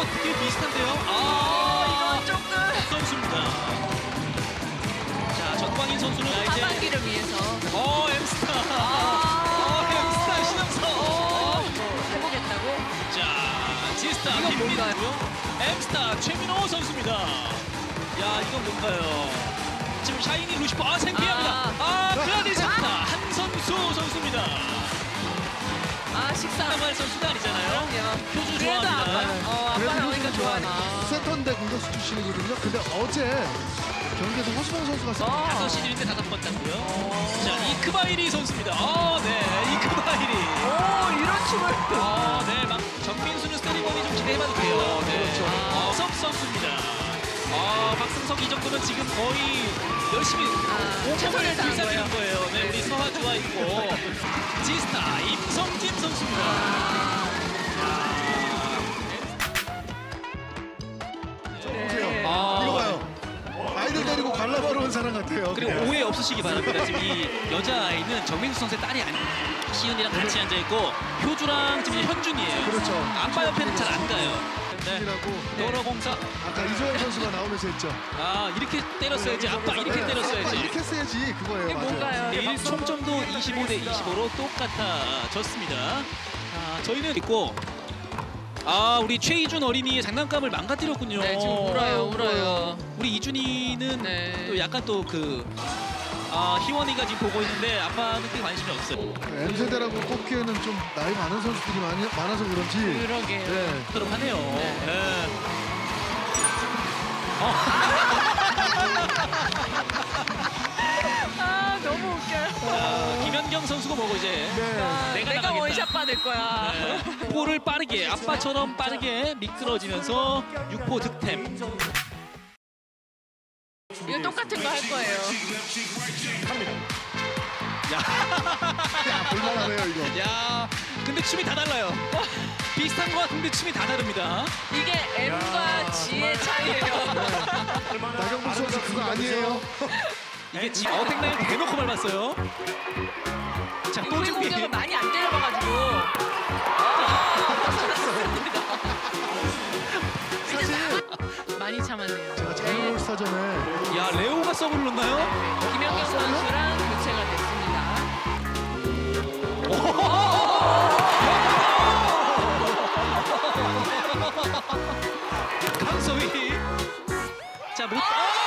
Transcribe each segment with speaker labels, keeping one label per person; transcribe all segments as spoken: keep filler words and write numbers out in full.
Speaker 1: 되게 비슷한데요. 아,
Speaker 2: 이건 조금
Speaker 1: 선수입니다. 자, 전광인 선수는 이제
Speaker 2: 하반기를 위해서
Speaker 1: 어, 엠스타.
Speaker 2: 아,
Speaker 1: 어, 엠스타 신영석.
Speaker 2: 어, 해보겠다고?
Speaker 1: 자, 지스타
Speaker 2: 이건 뭔가요?
Speaker 1: 김민우고요. 엠스타 최민호 선수입니다. 야, 이건 뭔가요? 지금 샤이니 루시퍼 아 생피합니다.
Speaker 2: 아.
Speaker 1: 아, 그라디 잡다 한선수 선수입니다.
Speaker 2: 아, 식사.
Speaker 1: 한말 선수가 아니잖아요.
Speaker 2: 그럼요.
Speaker 1: 표주
Speaker 2: 그래도 아빠,
Speaker 1: 좋아합니다.
Speaker 2: 어,
Speaker 3: 그래도
Speaker 2: 아빠 나오니까
Speaker 3: 효주
Speaker 2: 좋아하네.
Speaker 3: 좋아하네. 세턴대 공격수 출신이거든요. 근데 어제 경기에서 허수봉 선수가
Speaker 2: 어.
Speaker 1: 다섯 시즌인데 다섯 번 땄고요. 자, 이크바이리 선수입니다. 아, 네, 이크바이리.
Speaker 2: 오, 이런 춤을.
Speaker 1: 아, 네, 막 정민수는 세리머니 좀 기대해봐도 돼요. 네,
Speaker 3: 그렇죠.
Speaker 1: 아, 석 선수입니다. 아, 박승석 이 정도면 지금 거의 열심히
Speaker 2: 아,
Speaker 1: 오공을
Speaker 2: 최선을 다한
Speaker 1: 불사르는 거예요. 네, 우리 서하주와 있고 지스타 임성진 선수입니다.
Speaker 2: 네.
Speaker 1: 아,
Speaker 3: 이거 봐요. 아이들 데리고 관람 보러 온 사람 같아요.
Speaker 1: 그리고
Speaker 3: 그냥.
Speaker 1: 오해 없으시기 바랍니다. 지금 이 여자아이는 정민수 선수의 딸이 아니 시은이랑 같이 앉아있고 효주랑 지금 현준이에요.
Speaker 3: 그렇죠.
Speaker 1: 아빠 옆에는 잘 안 가요. 네.
Speaker 3: 이라고
Speaker 1: 도로공사.
Speaker 3: 아까 이소영 선수가 나오면서 했죠.
Speaker 1: 아, 이렇게 때렸어야지. 아빠 이렇게
Speaker 3: 네,
Speaker 1: 때렸어야지.
Speaker 3: 아빠 이렇게 써야지 그거예요.
Speaker 2: 이게
Speaker 3: 맞아요.
Speaker 2: 뭔가요?
Speaker 1: 내일 총점도 이십오 대 이십오로 똑같아졌습니다. 아, 저희는 있고 아, 우리 최이준 어린이의 장난감을 망가뜨렸군요.
Speaker 2: 네, 지금 울어요, 울어요.
Speaker 1: 우리 이준이는
Speaker 2: 네.
Speaker 1: 또 약간 또 그 아, 희원이가 지금 보고 있는데 아빠는 꽤 관심이 없어요.
Speaker 3: M세대라고 꼽기에는 좀 나이 많은 선수들이 많이, 많아서 그런지
Speaker 2: 그러게요.
Speaker 3: 네.
Speaker 1: 그렇도록 하네요.
Speaker 2: 네.
Speaker 1: 네.
Speaker 2: 아, 너무 웃겨요.
Speaker 1: 자, 김연경 선수가 뭐고 이제
Speaker 3: 네.
Speaker 2: 아,
Speaker 1: 내가
Speaker 2: 내가
Speaker 1: 나가겠다.
Speaker 2: 원샷 받을 거야.
Speaker 1: 네. 볼을 빠르게 아빠처럼 빠르게 미끄러지면서 육 포 득템.
Speaker 2: 이거 똑같은 거 할 거예요.
Speaker 1: 야,
Speaker 3: 야, 볼만하네요 이거.
Speaker 1: 야, 근데 춤이 다 달라요. 비슷한 것 같은데 춤이 다 다릅니다.
Speaker 2: 이게 M과 G의 차이예요.
Speaker 3: 나경범 선수 그거 아니에요.
Speaker 1: 이게 지금 어택라인 대놓고 밟았어요. 자, 또
Speaker 2: 우리
Speaker 1: 준비.
Speaker 2: 공격을 많이 안 때려봐가지고.
Speaker 3: 사실
Speaker 2: 많이 참았네요.
Speaker 3: 제가 장애물 스타전에
Speaker 1: 야, 레오가 서브를 넣나요?
Speaker 2: 김연경 선수랑 교체가 됐습니다.
Speaker 1: 강소희. 자, 못. 오!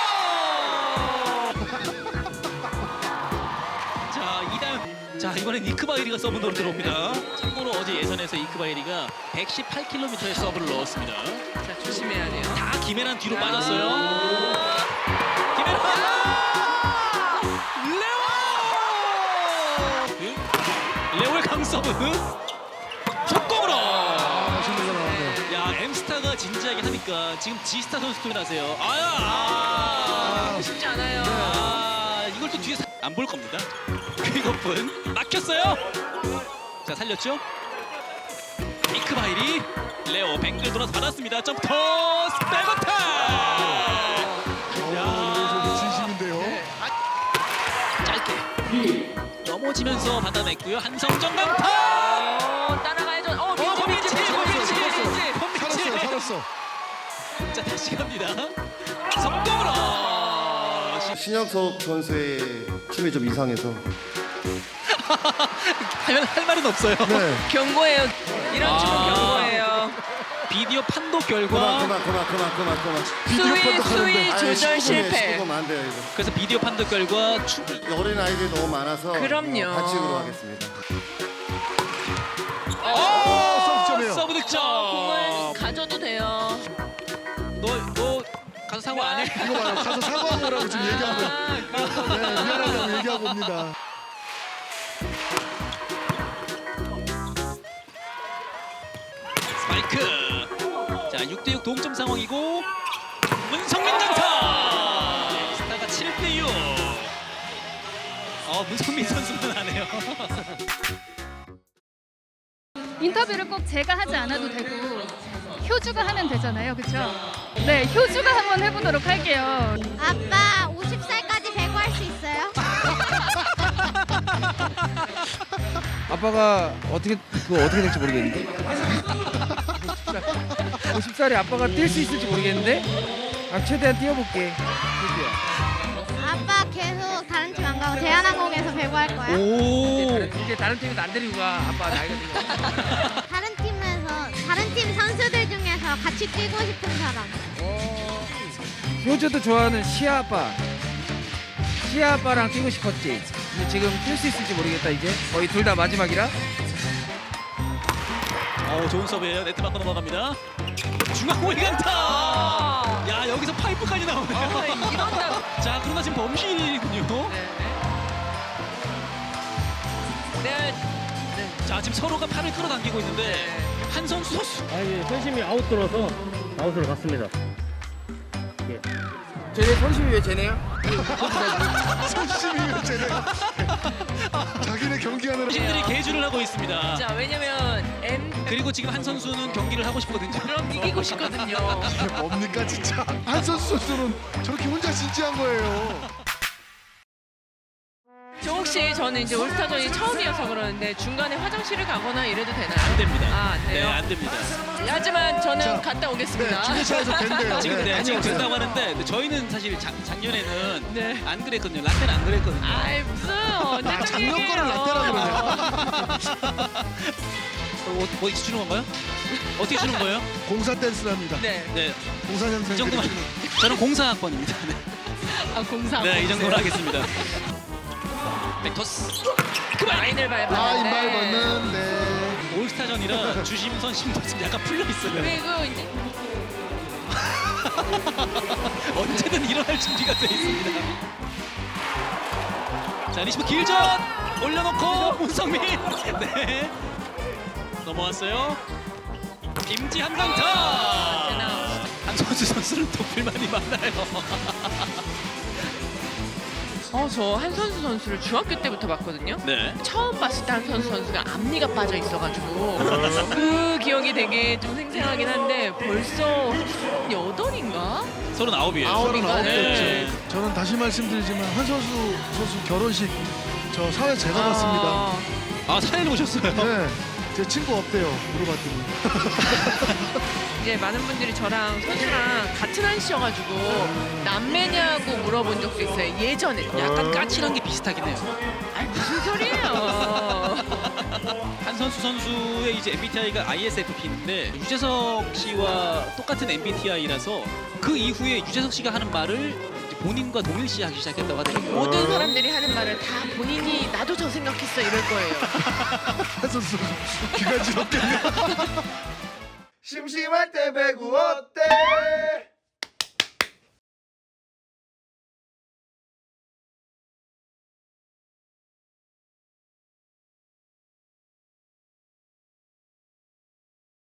Speaker 1: 자, 이다현. 자, 이번엔 이크바이리가 서브로 들어옵니다. 참고로 어제 예선에서 이크바이리가 백십팔 킬로미터의 서브를 넣었습니다.
Speaker 2: 자, 조심해야 돼요.
Speaker 1: 다 김혜란 뒤로 빠졌어요. 김혜란! 레오! 레오의 강서브. 속공으로!
Speaker 3: 아, 맛있는 거 나왔네요.
Speaker 1: 야, 엠스타가 진지하게 하니까 지금 지스타 선수도 나세요. 아야! 아,
Speaker 2: 쉽지 않아요.
Speaker 1: 아, 이걸 또 뒤에서 안 볼 겁니다. 그것뿐 막혔어요. 자, 살렸죠? 이크바이리 레오 뱅글 돌아서 받았습니다. 점토스 백어택!
Speaker 3: 야, 진심인데요.
Speaker 1: 짧게 넘어지면서 받아냈고요. 한성정 강타!
Speaker 2: 어, 따라가야죠. 어, 민지, 민지, 민지, 민지, 민지.
Speaker 3: 살았어요, 살았어.
Speaker 1: 자, 다시 갑니다. 성공으로!
Speaker 4: 신혁석 선수의 춤이 좀 이상해서
Speaker 1: 하면 할 말은 없어요.
Speaker 3: 네.
Speaker 2: 경고예요. 이런
Speaker 1: 아.
Speaker 2: 춤은 경고예요.
Speaker 1: 비디오 판도
Speaker 4: 그만
Speaker 1: 결과
Speaker 4: 그만 그만 그만 그만 그만
Speaker 3: 비디오
Speaker 2: 수위,
Speaker 3: 판독하는데.
Speaker 2: 수위
Speaker 4: 아니,
Speaker 2: 조절
Speaker 4: 십구 분이에요,
Speaker 2: 실패.
Speaker 4: 십구 분 안 돼요 이거.
Speaker 1: 그래서 비디오 판도 결과 춤
Speaker 4: 어린 아이들이 너무 많아서
Speaker 2: 그럼요.
Speaker 4: 반칙으로 하겠습니다.
Speaker 1: 오!
Speaker 3: 서브점이에요.
Speaker 1: 서브 득점.
Speaker 2: 공을 가져도 돼요.
Speaker 1: 너, 너 가서 사고 안 해?
Speaker 3: 이거 봐요. 가서 사과한 거라고 지금 얘기하고.
Speaker 2: 아,
Speaker 3: 네, 미안하다고 얘기하고 옵니다.
Speaker 1: 스파이크. 자, 육 대 육 동점 상황이고 문성민 강타. 스타가 칠 대 육. 어, 문성민 선수는 안 해요.
Speaker 5: 인터뷰를 꼭 제가 하지 않아도 되고 효주가 하면 되잖아요, 그렇죠? 네, 효주가 한번 해보도록 할게요.
Speaker 6: 아빠 오십 살까지 배구할 수 있어요?
Speaker 7: 아빠가 어떻게 그거 어떻게 될지 모르겠는데. 오십 살에 아빠가 뛸 수 있을지 모르겠는데 아, 최대한 뛰어볼게. 효주야.
Speaker 6: 아빠 계속 다른 팀 안 가고 대한항공에서 배구할 거야.
Speaker 7: 이제
Speaker 1: 오.
Speaker 7: 다른, 이제 다른 팀에서 안 데리고 가. 아빠 나이가 들어.
Speaker 6: 다른 팀에서 다른 팀 선수들 중에서 같이 뛰고 싶은 사람.
Speaker 7: 효주도 좋아하는 시아 아빠. 시아 아빠랑 뛰고 싶었지. 근데 지금 뛸 수 있을지 모르겠다 이제. 거의 둘 다 마지막이라.
Speaker 1: 어, 좋은 서브예요. 네트 맞고 넘어갑니다. 중앙 올간타. 야, 여기서 파이프까지 나오네요.
Speaker 2: 어, 이런다.
Speaker 1: 자, 그러나 지금 범실이군요.
Speaker 2: 네.
Speaker 1: 자, 지금 서로가 팔을 끌어당기고 있는데 한 선수 선수.
Speaker 8: 아, 예, 선심이 아웃 들어서 아웃으로 갔습니다.
Speaker 7: 쟤네 선심이 왜 쟤네요?
Speaker 3: 선심이면 쟤네. 자기네 경기하느라.
Speaker 1: 신들이 개주를 하고 있습니다.
Speaker 2: 자, 왜냐면 M
Speaker 1: 그리고 지금 한 선수는 경기를 하고 싶거든요.
Speaker 2: 그럼 이기고 싶거든요.
Speaker 3: 이게 뭡니까 진짜. 한선수 선수는 저렇게 혼자 진지한 거예요.
Speaker 2: 저 혹시 저는 이제 올스타전이 처음이어서 그러는데 중간에 화장실을 가거나 이래도 되나요?
Speaker 1: 안 됩니다.
Speaker 2: 아, 안 돼요?
Speaker 1: 네, 안 됩니다.
Speaker 2: 하지만 저는
Speaker 3: 자,
Speaker 2: 갔다
Speaker 3: 네,
Speaker 2: 오겠습니다.
Speaker 3: 중계차에서 된대요.
Speaker 1: 지금 네, 지금
Speaker 3: 다녀오세요.
Speaker 1: 된다고 하는데 근데 저희는 사실 작, 작년에는
Speaker 2: 네.
Speaker 1: 안 그랬거든요. 라떼는 안 그랬거든요.
Speaker 2: 아이 무슨 언제
Speaker 3: 아, 작년 거를 라떼라 그러네요.
Speaker 1: 어, 어떻게 주는 건가요? 어떻게 주는 거예요?
Speaker 3: 공사 댄스랍니다.
Speaker 2: 네.
Speaker 1: 네,
Speaker 3: 공사년생.
Speaker 1: 이 정도만. 저는 공사학번입니다. 네,
Speaker 2: 아 공사.
Speaker 1: 네, 이 정도로 하겠습니다. 백토스. 그만.
Speaker 2: 라인을
Speaker 3: 아,
Speaker 2: 밟았는데.
Speaker 3: 인발 걷는 네.
Speaker 1: 올스타전이라 주심 선심도 지금 약간 풀려 있어요.
Speaker 2: 그리고 이제
Speaker 1: 언제든 일어날 준비가 돼 있습니다. 자, 리시브 길전 올려놓고 문성민. 네, 넘어왔어요. 김지한 강타. 한 선수 선수는 또 불만이 많아요.
Speaker 2: 어, 저 한선수 선수를 중학교 때부터 봤거든요.
Speaker 1: 네.
Speaker 2: 처음 봤을 때 한선수 선수가 앞니가 빠져 있어가지고 그 기억이 되게 좀 생생하긴 한데 벌써 여덟인가?
Speaker 1: 서른아홉이에요.
Speaker 2: 아홉인가?
Speaker 1: 네.
Speaker 3: 저는 다시 말씀드리지만 한선수 선수 결혼식 저 사회 제가 봤습니다.
Speaker 1: 아, 사연을 보셨어요?
Speaker 3: 네. 제 친구 없대요. 물어봤더니.
Speaker 2: 이제 많은 분들이 저랑 선수랑 같은 한시여가지고 남매냐고 물어본 적도 있어요. 예전에.
Speaker 1: 약간 까칠한 게 비슷하긴 해요.
Speaker 2: 아니 무슨 소리예요?
Speaker 1: 한 선수 선수의 이제 엠비티아이가 아이에스에프피인데 유재석 씨와 똑같은 엠비티아이라서 그 이후에 유재석 씨가 하는 말을 이제 본인과 동일시하기 시작했다고 하더라고요.
Speaker 2: 모든 사람들이 하는 말을 다 본인이 나도 저 생각했어 이럴 거예요.
Speaker 3: 한선수 귀가 지럽겠네요.
Speaker 4: 심심할 때 배구원